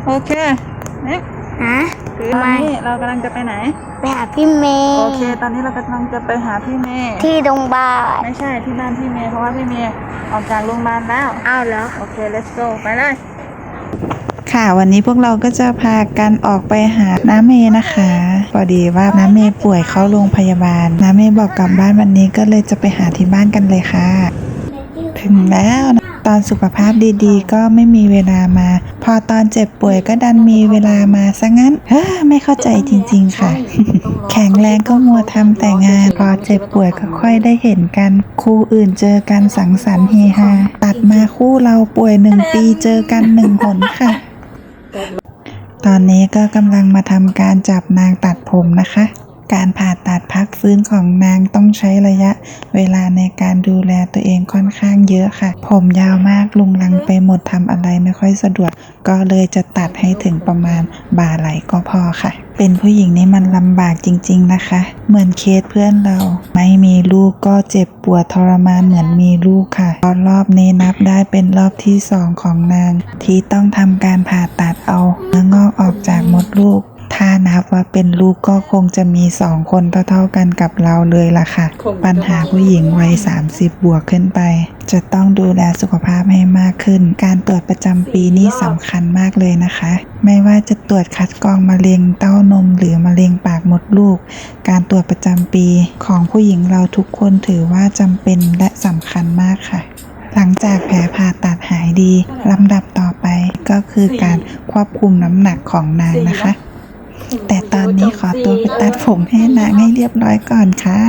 โอเคเนี่ยฮะคือตอนนี้เรากำลังจะไปไหนไปหาพี่เมย์โอเคตอนนี้เรากำลังจะไปหาพี่เมย์ที่โรงพยาบาลไม่ใช่ที่บ้านพี่เมย์เพราะว่าพี่เมย์ออกจากโรงพยาบาลแล้วอ้าวเหรอโอเค let's go ไปเลยค่ะวันนี้พวกเราก็จะพากันออกไปหาน้าเมย์นะคะพอดีว่าน้าเมย์ป่วยเข้าโรงพยาบาลน้าเมย์บอกกลับบ้านวันนี้ก็เลยจะไปหาที่บ้านกันเลยค่ะถึงแล้วตอนสุขภาพดีๆก็ไม่มีเวลามาพอตอนเจ็บป่วยก็ดันมีเวลามาซะงั้นไม่เข้าใจจริงๆค่ะ แข็งแรงก็มัวทำแต่งานพอเจ็บป่วยก็ค่อยได้เห็นกันคู่อื่นเจอกันสังสรรค์เฮฮาตัดมาคู่เราป่วย1 ปีเจอกัน1 หนค่ะตอนนี้ก็กำลังมาทำการจับนางตัดผมนะคะการผ่าตัดพักฟื้นของนางต้องใช้ระยะเวลาในการดูแลตัวเองค่อนข้างเยอะค่ะผมยาวมากลุงลังไปหมดทำอะไรไม่ค่อยสะดวกก็เลยจะตัดให้ถึงประมาณบ่าไหล่ก็พอค่ะเป็นผู้หญิงนี่มันลำบากจริงๆนะคะเหมือนเคสเพื่อนเราไม่มีลูกก็เจ็บปวดทรมานเหมือนมีลูกค่ะตอนรอบนี้นับได้เป็นรอบที่2ของนางที่ต้องทำการผ่าตัดเอาเนื้องอกออกจากมดลูกถ้านับว่าเป็นลูกก็คงจะมี2 คนเท่าๆกันกับเราเลยล่ะค่ะปัญหาผู้หญิงวัย30 บวกขึ้นไปจะต้องดูแลสุขภาพให้มากขึ้นการตรวจประจำปีนี่สำคัญมากเลยนะคะไม่ว่าจะตรวจคัดกรองมะเร็งเต้านมหรือมะเร็งปากมดลูกการตรวจประจำปีของผู้หญิงเราทุกคนถือว่าจำเป็นและสำคัญมากค่ะหลังจากแผลผ่าตัดหายดีลำดับต่อไปก็คือการควบคุมน้ำหนักของนางนะคะแต่ตอนนี้ขอตัวไปตัดผมให้นางให้เรียบร้อยก่อนค่ะ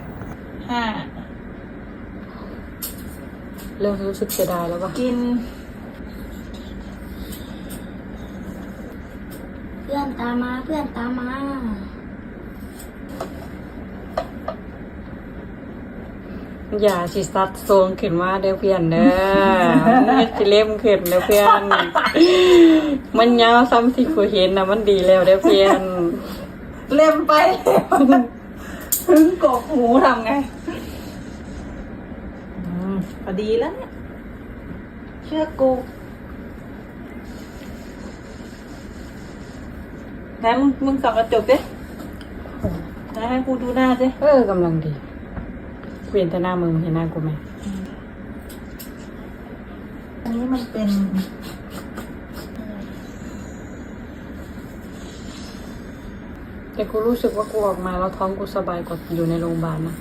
เริ่มรู้สึกเสียดายแล้วป่ะกินเพื่อนตามมาเพื่อนตามมาอย่าสิซัดโซงขึ้นมาเด้อเพื่อนเด้อมันจะเล่มขึ้นเด้อเพื่อนมันยาวซ้ำที่คุยเห็นนะมันดีแล้วเด้อเพื่อนเล็มไปถึงกกหูทำไงพอดีแล้วเนี่ยเชื่อกูไหนมึงส่องกระจกดิไหนให้กูดูหน้าสิกำลังดีเปลี่ยนแต่หน้ามึงเห็นหน้ากูไหมอันนี้มันเป็นแต่กูรู้สึกว่ากูออกมาแล้วท้องกูสบายกว่าอยู่ในโรงพยาบาลนะ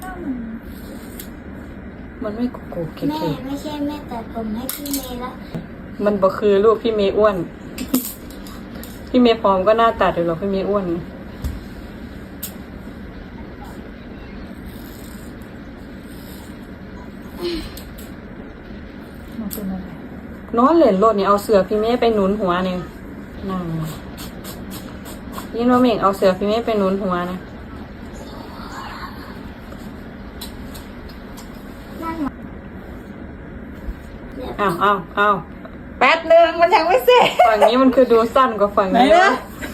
มันไม่กูเก๋แม่ไม่ใช่แม่ตัดผมให้พี่เมย์ละมันบ่คือลูกพี่เมย์อ้วนพี่เมย์ผอมก็หน้าตัดอยู่หรอกพี่เมย์อ้วนมันเป็นอะไรนอนเล่นรถนี่เอาเสือพี่เมย์ไปหนุนหัวนี่นั่งยินว่าเม่งเอาเสือพี่เมย์ไปหนุนหัวนะอ้าวแป๊บนึงมันยังไม่เสร็จฝั่งนี้มันคือดูสั้นกว่าฝั่งนี้นะ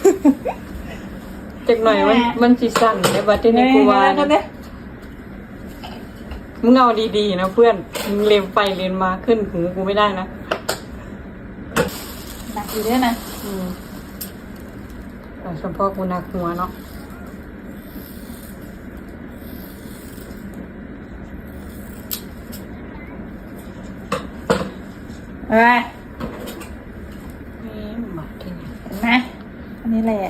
จากหน่อยมันจีสั้นในบัดที่นี่กูว่าเนี่ยมึงเอาดีๆนะเพื่อนมึงเลียนไปเลียนมาขึ้นหูกูไม่ได้นะหนักอยู่ด้วยนะแต่เฉพาะกูหนักหัวเนาะนี่บัดที่นี่เห็นไหมอันนี้แหละ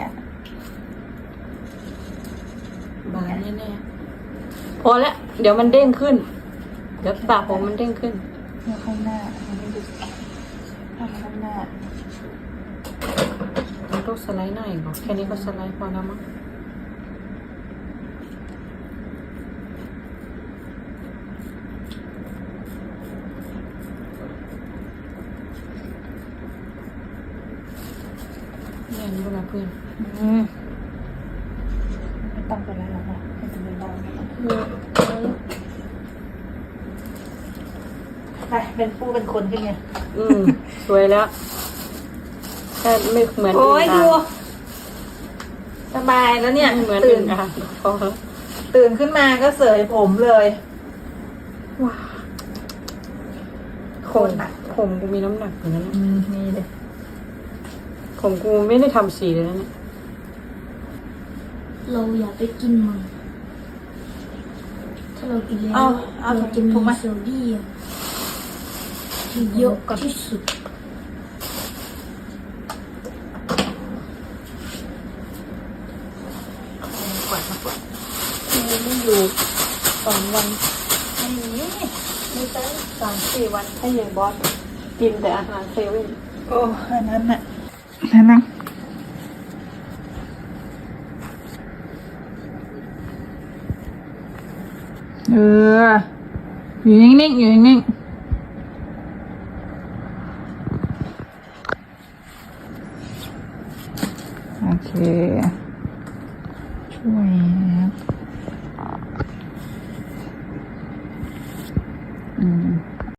บานแน่ๆพอแล้วเดี๋ยวมันเด้งขึ้นเดี๋ยวปากผมมันเด้งขึ้นเดี๋ยวข้างหน้ามันไม่ดูข้างหน้ามันต้องสไลด์หน่อยก่อนแค่นี้ก็สไลด์พอแล้วมั้งเนี่ยนี่เวลาเพื่อนไม่ต้องไปแล้วหรอกให้เป็นเบาๆไปเป็นผู้เป็นคนขึ้นไงสวยแล้วแต่ไม่เหมือนโอ้ยดูสบายแล้วเนี่ยเหมือนตื่นพอตื่นขึ้นมาก็เสยผมเลยว้าผมกูมีน้ำหนักเหมือนกันนี่เลยผมกูไม่ได้ทำสีเลยนะเนี่ยเราอย่าไปกินมันถ้าเรากินแล้วเอาเราจะมีโซเดียมที่เยอะที่สุดไม่อยู่2 วันไม่มีไม่ใช่3-4 วันให้ยายบอสกินแต่อาหารเซเว่นโอ้อันนั้นน่ะนั่งอยู่นิ่งๆอยู่นิ่งๆโอเค